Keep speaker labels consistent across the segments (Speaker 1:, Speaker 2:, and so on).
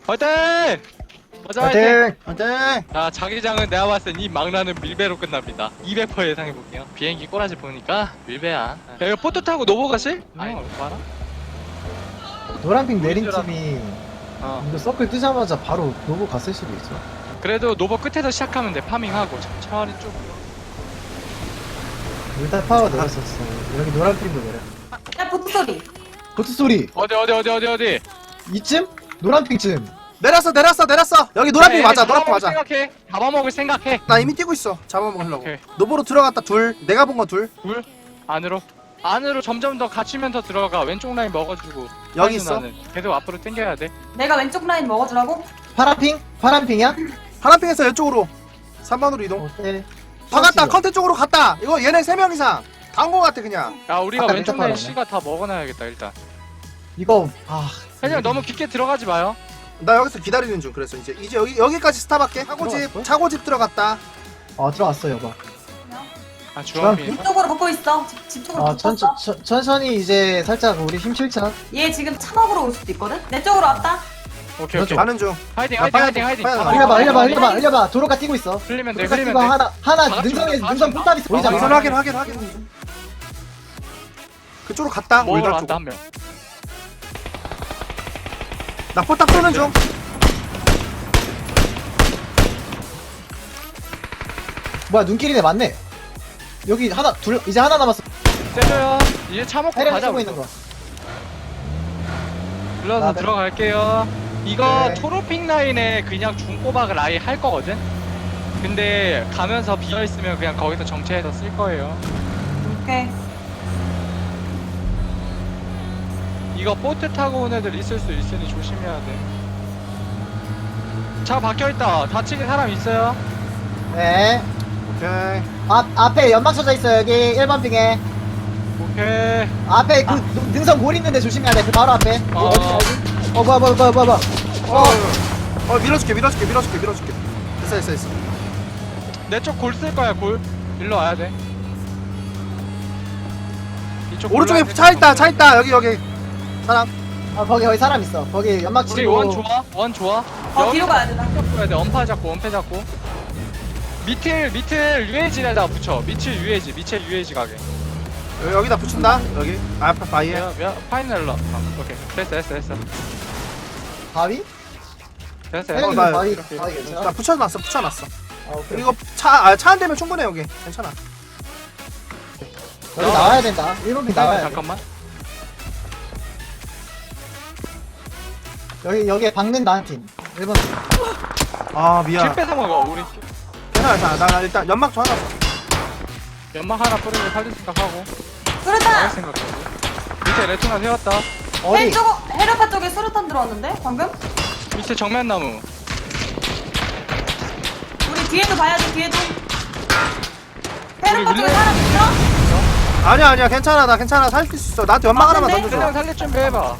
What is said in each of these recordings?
Speaker 1: 화이팅! 맞아
Speaker 2: 화이팅!
Speaker 3: 안돼.
Speaker 1: 자, 자기장은 내가 봤을 땐 이 망라는 밀배로 끝납니다. 200% 예상해볼게요. 비행기 꼬라지 보니까 밀배야. 야, 이거 포트 타고 노보 가실? 아니, 봐라.
Speaker 2: 노란핑 내린 팀이
Speaker 1: 어.
Speaker 2: 이거 서클 뜨자마자 바로 노고 갔을 수도 있어.
Speaker 1: 그래도 노보 끝에서 시작하면 돼. 파밍하고 차라리 좀.
Speaker 2: 일단 파워 내렸었어. 여기 노란핑도 내려.
Speaker 4: 야 보트 소리.
Speaker 2: 보트 소리
Speaker 1: 어디?
Speaker 2: 이쯤? 노란핑쯤.
Speaker 3: 내렸어. 여기 노란핑 맞아. 노란핑 맞아.
Speaker 1: 생각해. 잡아먹을 생각해.
Speaker 3: 나 이미 뛰고 있어. 잡아먹으려고.
Speaker 1: 오케이.
Speaker 3: 노보로 들어갔다 둘. 내가 본 거 둘.
Speaker 1: 둘 안으로 점점 더 갇히면서 들어가. 왼쪽 라인 먹어주고.
Speaker 3: 여기 있어.
Speaker 1: 나는 계속 앞으로 당겨야 돼.
Speaker 4: 내가 왼쪽 라인 먹어주라고?
Speaker 2: 파란핑? 파란핑이야?
Speaker 3: 파란핑에서 이쪽으로 3번으로 이동.
Speaker 2: 오케이.
Speaker 3: 다 갔다. 컨텐 쪽으로 갔다. 이거 얘네 3명 이상. 다 온 거 같아 그냥.
Speaker 1: 야, 우리가
Speaker 2: 아까
Speaker 1: 왼쪽
Speaker 2: 왼쪽
Speaker 1: 라인
Speaker 2: 팔았네.
Speaker 1: C가 다 먹어놔야겠다 일단.
Speaker 2: 이거
Speaker 1: 그냥 너무 깊게 들어가지 마요.
Speaker 3: 나 여기서 기다리는 중. 그래서 이제 여기까지 스탑할게.
Speaker 2: 들어갔어?
Speaker 3: 차고집 들어갔다.
Speaker 2: 들어왔어 여봐.
Speaker 1: 아, 주황빛.
Speaker 4: 이쪽으로 붙고 있어. 집 쪽으로 붙었어.
Speaker 2: 천천히 이제 살짝 우리 힘 실자.
Speaker 4: 얘 지금 차 먹으러 올 수도 있거든. 내 쪽으로 왔다.
Speaker 1: 오케이.
Speaker 3: 가는 중.
Speaker 1: 화이팅.
Speaker 3: 야, 빨리, 빨리
Speaker 2: 흘려봐. 도로가 뛰고 있어.
Speaker 1: 흘리면 돼.
Speaker 2: 도로가
Speaker 1: 흘리면
Speaker 2: 뛰고
Speaker 1: 돼.
Speaker 2: 하나
Speaker 1: 다 같이
Speaker 2: 능선에
Speaker 1: 가, 다
Speaker 2: 능선
Speaker 1: 같이
Speaker 2: 포탑이
Speaker 1: 가.
Speaker 2: 보이잖아.
Speaker 3: 우선 확인. 그쪽으로 갔다.
Speaker 1: 먹으러
Speaker 3: 올달
Speaker 1: 왔다
Speaker 3: 쪽.
Speaker 1: 한 명.
Speaker 3: 나 포탑 쏘는 중.
Speaker 2: 뭐야 눈길이네 맞네. 여기 이제 하나 남았어.
Speaker 1: 떼줘요. 이제 차 먹고
Speaker 2: 해령
Speaker 1: 가자.
Speaker 2: 쓰고 있는 거.
Speaker 1: 불러서
Speaker 2: 네.
Speaker 1: 들어갈게요. 이거
Speaker 2: 네.
Speaker 1: 초록핑 라인에 그냥 중꼬박을 아예 할 거거든. 근데 가면서 비어 있으면 그냥 거기서 정체해서 쓸 거예요.
Speaker 4: 오케이.
Speaker 1: 이거 보트 타고 온 애들 있을 수 있으니 조심해야 돼. 차 박혀 있다. 다치게 사람 있어요?
Speaker 2: 네.
Speaker 3: 오케이.
Speaker 2: 앞에 연막 쳐져 있어 여기 1번 핑에.
Speaker 1: 오케이.
Speaker 2: 앞에 그 능선 골 있는데 조심해야 돼. 그 바로 앞에.
Speaker 1: 어.
Speaker 2: 어디 알지? 뭐야.
Speaker 3: 밀어줄게. 됐어.
Speaker 1: 내 쪽 골 쓸 거야, 골. 일로 와야 돼. 이쪽
Speaker 3: 오른쪽에
Speaker 1: 골라야
Speaker 3: 차 있다. 여기. 사람.
Speaker 2: 거기 사람 있어. 거기 연막
Speaker 1: 우리
Speaker 2: 치고.
Speaker 1: 원 좋아.
Speaker 4: 뒤로 가야 되나?
Speaker 1: 해야 돼. 엄폐 잡고. 밑을 UAG에다 붙여. 밑을 UAG 가게.
Speaker 3: 여기다 붙인다. 여기. 앞에 바위에.
Speaker 1: 파이널러. 오케이. 됐어.
Speaker 2: 바위?
Speaker 1: 됐어.
Speaker 2: 해령이
Speaker 3: 나
Speaker 2: 바위
Speaker 1: 이렇게.
Speaker 2: 괜찮아?
Speaker 3: 나 붙여놨어.
Speaker 2: 오케이.
Speaker 3: 이거 차 안 되면 충분해 여기. 괜찮아.
Speaker 2: 여기 나와야 된다. 1번 핑 나와야 돼.
Speaker 1: 잠깐만.
Speaker 2: 여기에 박는다 한 팀. 1번 핑.
Speaker 3: 아 미안.
Speaker 1: 킬 뺏어 먹어. 우리
Speaker 3: 괜찮아. 나 일단 연막 좀 하나.
Speaker 1: 연막 하나 뿌리고 살릴 생각하고.
Speaker 4: 수류탄.
Speaker 1: 나갈 생각하고. 밑에 레토나 세웠다.
Speaker 2: 어디?
Speaker 4: 헤르파 쪽에 수류탄 들어왔는데 방금?
Speaker 1: 밑에 정면 나무.
Speaker 4: 우리 뒤에도 봐야 돼. 뒤에도. 헤르파
Speaker 1: 우리
Speaker 4: 쪽에
Speaker 1: 릴레이-
Speaker 4: 사람 있어?
Speaker 3: 아니야. 괜찮아. 나 괜찮아. 살릴 수 있어. 나한테 연막 하나만
Speaker 4: 맞는데?
Speaker 1: 그냥
Speaker 3: 던져줘.
Speaker 1: 살릴 준비 해봐.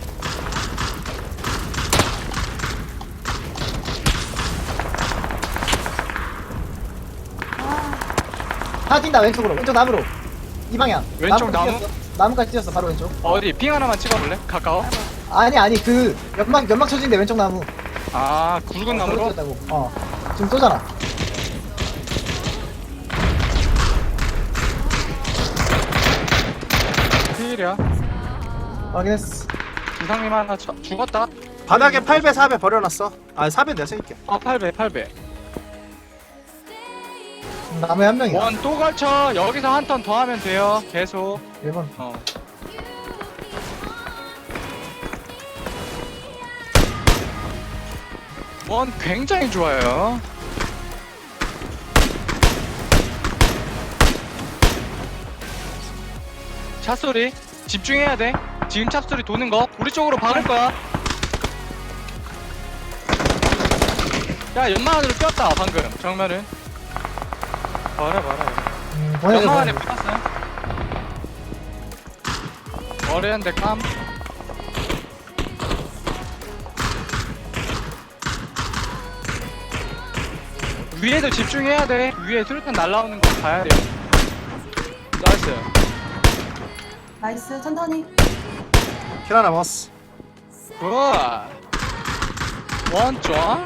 Speaker 2: 하나 뛴다 왼쪽으로. 왼쪽 나무로. 이 방향.
Speaker 1: 왼쪽
Speaker 2: 나무까지
Speaker 1: 나무?
Speaker 2: 뛰었어. 나무까지 뛰었어 바로 왼쪽.
Speaker 1: 어디 핑 하나만 찍어볼래? 가까워?
Speaker 2: 아니 그 연막 쳐진데 왼쪽 나무.
Speaker 1: 아, 굵은 나무로?
Speaker 2: 뛰었다고. 지금 쏘잖아.
Speaker 1: 필이야.
Speaker 2: 확인했어.
Speaker 1: 이상님 하나 죽었다.
Speaker 3: 바닥에 8배 4배 버려놨어. 4배 내가 챙길게.
Speaker 1: 8배.
Speaker 2: 나무에 한 명이야.
Speaker 1: 원 또 걸쳐. 여기서 한 턴 더 하면 돼요. 계속.
Speaker 2: 1번.
Speaker 1: 원 굉장히 좋아요. 차 소리 집중해야 돼. 지금 차 소리 도는 거 우리 쪽으로 박을 거야. 야, 연막 안으로 뛰었다 방금. 정면은 봐라.
Speaker 2: 보내줘.
Speaker 1: 연막 안에 붙었어요. 머리 한 대 깜. 위에도 집중해야 돼. 위에 수류탄 날라오는 거 봐야 돼요. 나이스.
Speaker 4: 나이스. 천천히.
Speaker 3: 킬 하나 먹었어.
Speaker 1: 굿. 원점.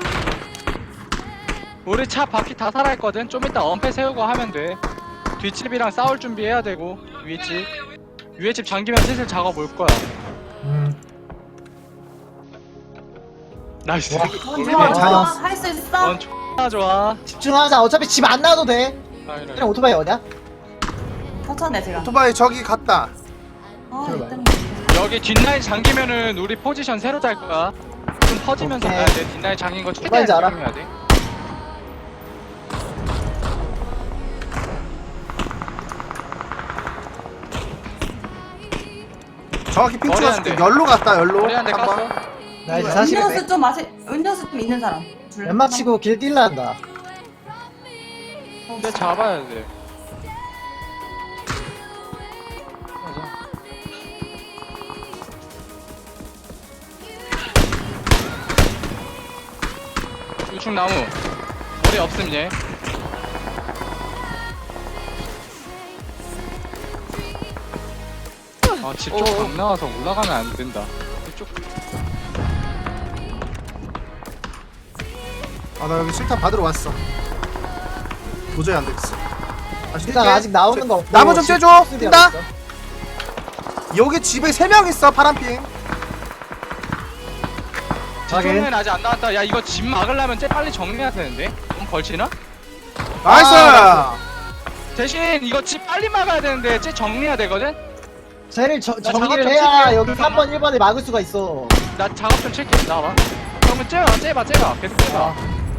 Speaker 1: 우리 차 바퀴 다 살아있거든. 좀 이따 엄폐 세우고 하면 돼. 뒷집이랑 싸울 준비해야 되고. 위에 집 잠기면 슬슬 작업 올 거야. 나이스.
Speaker 2: 와.
Speaker 4: 좋아, 좋아. 할 수 있어.
Speaker 1: X나 좋아.
Speaker 2: 집중하자. 어차피 집 안 나와도 돼. 그냥 오토바이 어디야?
Speaker 4: 터쳤네, 제가.
Speaker 3: 오토바이 저기 갔다.
Speaker 4: 아,
Speaker 2: 들어봐요.
Speaker 4: 이때문에.
Speaker 1: 여기 뒷라인 잠기면은 우리 포지션 새로 짤 거야. 좀 퍼지면서
Speaker 2: 오케이.
Speaker 1: 가야 돼. 뒷라인 잠긴 거 최대한
Speaker 2: 뭔지 알아?
Speaker 1: 집중해야 돼.
Speaker 3: 정확히 핑
Speaker 1: 머리 안
Speaker 3: 찍어줄게.
Speaker 1: 돼.
Speaker 3: 열로 갔다 열로.
Speaker 1: 머리 한대
Speaker 3: 한번.
Speaker 1: 깠어.
Speaker 2: 나 이제 40에
Speaker 4: 음료수 좀 음료수 좀 있는 사람. 줄래?
Speaker 2: 웬마 치고 길 뛸라 한다.
Speaker 1: 근데 잡아야 돼. 맞아. 우측 나무. 머리 없음 얘. 아, 집 쪽 각 나와서 올라가면 안 된다. 이쪽.
Speaker 3: 아 나 여기 실탄 받으러 왔어. 도저히 안 되겠어. 다시
Speaker 2: 일단
Speaker 3: 뛸게.
Speaker 2: 아직 나오는 거 없고.
Speaker 3: 나무 좀
Speaker 2: 집
Speaker 3: 쬐줘.
Speaker 2: 수리하고
Speaker 3: 뛴다.
Speaker 2: 있어.
Speaker 3: 여기 집에 3명 있어 파란핑.
Speaker 2: 확인.
Speaker 1: 뒷쪽면 아직 안 나왔다. 야, 이거 집 막으려면 쟤 빨리 정리해야 되는데. 좀 걸치나?
Speaker 3: 나이스.
Speaker 1: 대신 이거 집 빨리 막아야 되는데 쟤 정리해야 되거든?
Speaker 2: 쟤를
Speaker 1: 나
Speaker 2: 정리를
Speaker 1: 작업
Speaker 2: 해야
Speaker 1: 좀
Speaker 2: 여기
Speaker 1: 칠게.
Speaker 2: 3번 1번에 막을 수가 있어.
Speaker 1: 나 작업 좀 칠게. 나와봐. 그러면 째봐. 계속 째봐.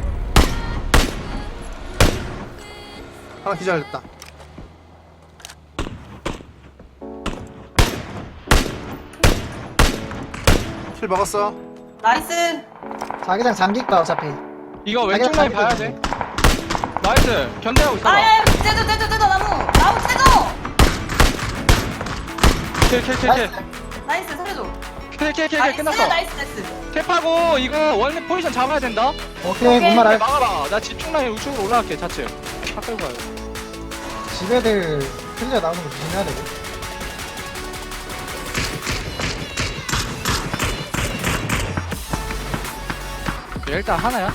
Speaker 3: 하나 기절했다. 킬 먹었어.
Speaker 4: 나이스.
Speaker 2: 자기장 잠길 거야 어차피.
Speaker 1: 이거 왼쪽 라인 봐야 돼. 나이스. 견제하고 있어봐.
Speaker 4: 아야, 떼줘 나무 떼줘.
Speaker 1: 킬.
Speaker 4: 나이스 살려줘.
Speaker 1: 킬 끝났어.
Speaker 4: 나이스.
Speaker 1: 탭하고 이거 원래 포지션 잡아야 된다.
Speaker 2: 오케이
Speaker 4: 오케이.
Speaker 2: 뭔 말할.
Speaker 1: 막아봐. 나 집중 라인 우측으로 올라갈게. 좌측. 차 끌고 가요.
Speaker 2: 집애들 클리어 나오는 거 조심해야 되고.
Speaker 1: 일단 하나야.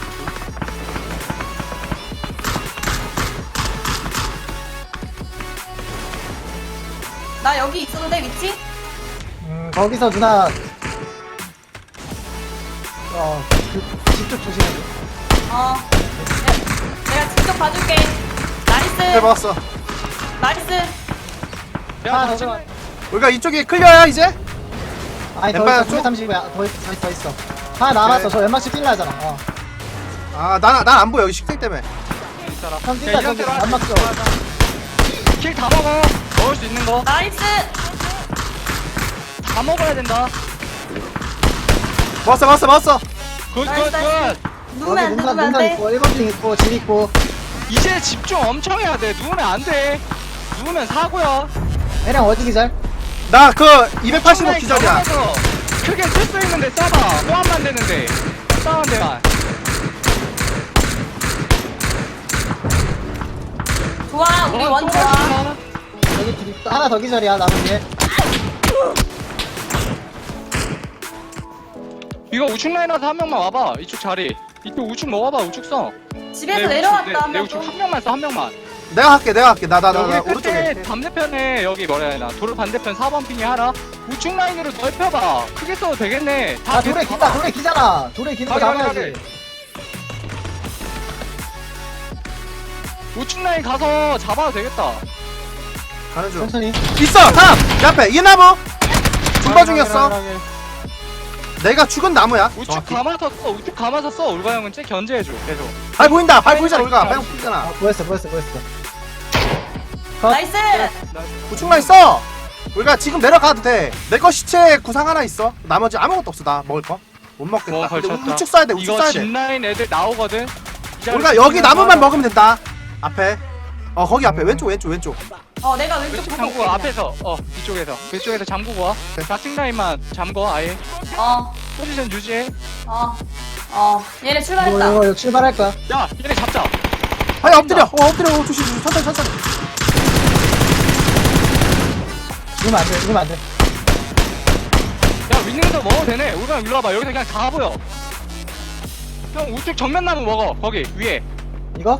Speaker 4: 나 여기 있어도 돼 위치?
Speaker 2: 거기서 누나 집쪽 조심해.
Speaker 4: 어. 내가 직접 봐줄게.
Speaker 3: 킬
Speaker 4: 나이스.
Speaker 3: 먹었어.
Speaker 4: 나이스.
Speaker 1: 야,
Speaker 2: 아,
Speaker 1: 좌측
Speaker 2: 더
Speaker 1: 라인.
Speaker 3: 우리가 이쪽이 클리어야 이제?
Speaker 2: 아니 더
Speaker 3: 엠파이어
Speaker 2: 있어.
Speaker 3: 쪽?
Speaker 2: 930이야. 더 있어. 하나 남았어.
Speaker 3: 오케이.
Speaker 2: 저 웬만치 뛸라 하잖아.
Speaker 3: 난 안 보여 여기 식생 때문에.
Speaker 1: 있어라.
Speaker 2: 형 뛴다,
Speaker 1: 야, 이런
Speaker 2: 저기
Speaker 1: 대로
Speaker 2: 안 막혀.
Speaker 1: 킬다 먹어. 먹을 수 있는 거.
Speaker 4: 나이스.
Speaker 1: 다 먹어야 된다.
Speaker 3: 먹었어.
Speaker 1: 굿.
Speaker 4: 누우면 안 돼. 누우면 안
Speaker 2: 눈
Speaker 4: 돼.
Speaker 2: 있고 1번 핑 있고 집 있고.
Speaker 1: 이제 집중 엄청 해야 돼. 누우면 안 돼. 누우면 사고야.
Speaker 2: 애랑 어디 기절?
Speaker 3: 나 그 285 기절이야.
Speaker 1: 경험에서 크게 쓸 수 있는데 써봐. 호환만 되는데. 싸운 데만.
Speaker 4: 좋아. 우리 원 좋아.
Speaker 2: 여기 집 있고 하나 더 기절이야. 남은 게.
Speaker 1: 이거 우측 라인 와서 한 명만 와봐. 이쪽 자리. 이쪽 우측 먹어봐. 우측 써.
Speaker 4: 집에서 내려왔다.
Speaker 1: 내
Speaker 4: 한 명.
Speaker 1: 우측 한 명만 써. 한 명만.
Speaker 3: 내가 할게. 나
Speaker 1: 여기
Speaker 3: 오른쪽에.
Speaker 1: 끝에 반대편에 여기 뭐라 해야 되나. 도로 반대편 4번 핑이 하나. 우측 라인으로 넓혀봐. 크게 써도 되겠네. 다
Speaker 2: 아 돌에 기다. 돌에 기잖아. 돌에 기는 거
Speaker 1: 가게,
Speaker 2: 잡아야지.
Speaker 1: 우측 라인 가서 잡아도 되겠다.
Speaker 3: 가는 중.
Speaker 2: 천천히.
Speaker 3: 있어. 하나. 내 앞에 이 나무. 중바 중이었어. 내가 죽은 나무야.
Speaker 1: 우측
Speaker 3: 정확히.
Speaker 1: 감아서 써. 우측 감아서 써. 울바 형은 쟤 견제해줘. 계속.
Speaker 3: 발 보인다. 발 보이잖아. 우리가 발 보이잖아.
Speaker 2: 보였어.
Speaker 4: 나이스.
Speaker 3: 우측만 있어. 우리가 지금 내려가도 돼. 내 거 시체 구상 하나 있어. 나머지 아무것도 없어. 나 먹을 거. 못 먹겠다.
Speaker 1: 뭐
Speaker 3: 근데
Speaker 1: 걸쳤다.
Speaker 3: 우측 쏴야 돼. 우측
Speaker 1: 이거
Speaker 3: 쏴야 돼.
Speaker 1: 짚라인 애들 나오거든. 이 자리
Speaker 3: 우리가 여기
Speaker 1: 지키면서
Speaker 3: 나무만
Speaker 1: 하자.
Speaker 3: 먹으면 된다. 앞에. 거기 앞에 왼쪽.
Speaker 4: 내가 왼쪽
Speaker 1: 왼쪽
Speaker 4: 보고
Speaker 1: 잠그고
Speaker 4: 올게,
Speaker 1: 앞에서 이쪽에서 잠그고 와. 좌측 라인만 잠궈 아예.
Speaker 4: 그냥.
Speaker 1: 포지션 유지해.
Speaker 4: 얘네 출발했다.
Speaker 2: 이거 출발할 거야.
Speaker 1: 야 얘네 잡자.
Speaker 3: 아니 엎드려. 엎드려. 조심. 천천히.
Speaker 2: 죽으면 안 돼.
Speaker 1: 야 윈닝에서 먹어도 되네. 울바 형 일로 와봐. 여기서 그냥 다 보여. 형 우측 정면 나무 먹어. 거기 위에.
Speaker 2: 이거?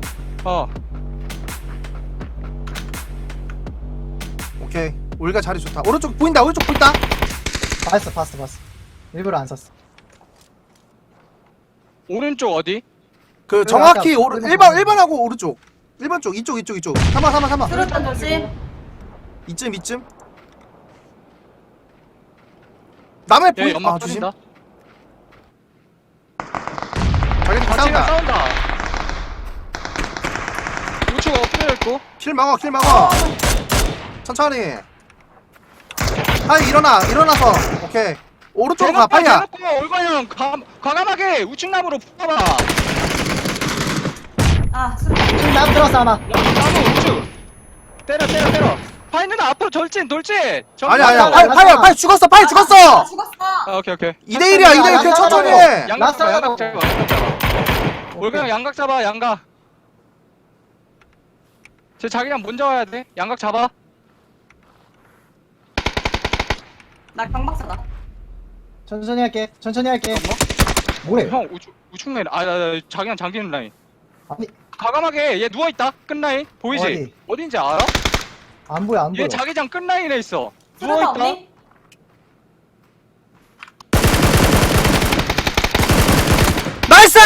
Speaker 3: 오케이. 우리가 자리 좋다. 오른쪽 보인다. 오른쪽 보인다.
Speaker 2: 봤어. 일부러 안 샀어.
Speaker 1: 오른쪽 어디?
Speaker 3: 그
Speaker 2: 아까
Speaker 3: 정확히 오른
Speaker 2: 1번
Speaker 3: 1번하고 오른쪽. 1번 쪽 이쪽. 3번.
Speaker 4: 수류탄 조심.
Speaker 3: 이쯤. 남의
Speaker 1: 얘
Speaker 3: 보인.
Speaker 1: 연막
Speaker 3: 아 조심.
Speaker 1: 터진다.
Speaker 3: 자기
Speaker 1: 같이가
Speaker 3: 싸운다.
Speaker 1: 싸운다. 우측 엎드려 있고.
Speaker 3: 킬 막어. 천천히. 파이 일어나서. 오케이. 오른쪽으로 가. 파이야.
Speaker 1: 대놓고 올바형 과감하게 우측 나무로 붙어봐.
Speaker 4: 아, 수류탄.
Speaker 2: 지금 나무 들어왔어 하나.
Speaker 1: 나무 우측. 때려. 파이 누나 앞으로 돌진.
Speaker 3: 아니야.
Speaker 2: 라스트
Speaker 3: 파이 죽었어.
Speaker 4: 아, 죽었어.
Speaker 1: 오케이.
Speaker 3: 2대1이야. 2대1 그냥 천천히 해.
Speaker 1: 양각 잡아.
Speaker 2: 라스트
Speaker 1: 올바형 양각 잡아. 양각. 쟤 자기랑 먼저 와야 돼. 양각 잡아.
Speaker 4: 나 강박사다.
Speaker 2: 천천히 할게. 뭐해?
Speaker 1: 형 우측 라인. 자기랑 잠기는 라인.
Speaker 2: 아니
Speaker 1: 과감하게 얘 누워있다. 끝 라인. 보이지?
Speaker 2: 어디?
Speaker 1: 어딘지 알아?
Speaker 2: 안 보여.
Speaker 1: 얘 자기장 끝 라인에 있어.
Speaker 4: 수류탄
Speaker 1: 누워있다.
Speaker 4: 없니?
Speaker 3: 나이스!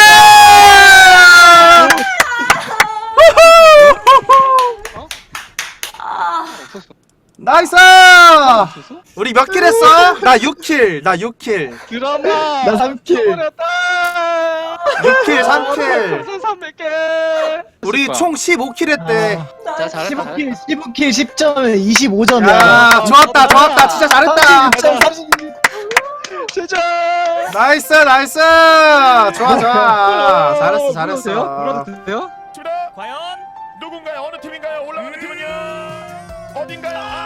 Speaker 4: 아,
Speaker 1: 없었어.
Speaker 3: 나이스!
Speaker 1: 없었어?
Speaker 3: 우리 몇 킬 했어? 나 6킬.
Speaker 1: 드라마.
Speaker 2: 나 3킬.
Speaker 1: 버렸다.
Speaker 3: 6킬, 3킬.
Speaker 1: 300개.
Speaker 3: 우리 총 15킬 했대.
Speaker 1: 자, 잘했다.
Speaker 2: 15킬 10점 25점이야.
Speaker 3: 야, 좋았다. 진짜 잘했다.
Speaker 2: 36점
Speaker 1: 진짜.
Speaker 3: 나이스. 좋아. 잘했어.
Speaker 1: 물어도 돼요?
Speaker 5: 과연 누군가요? 어느 팀인가요? 올라가는 팀은요? 어딘가요?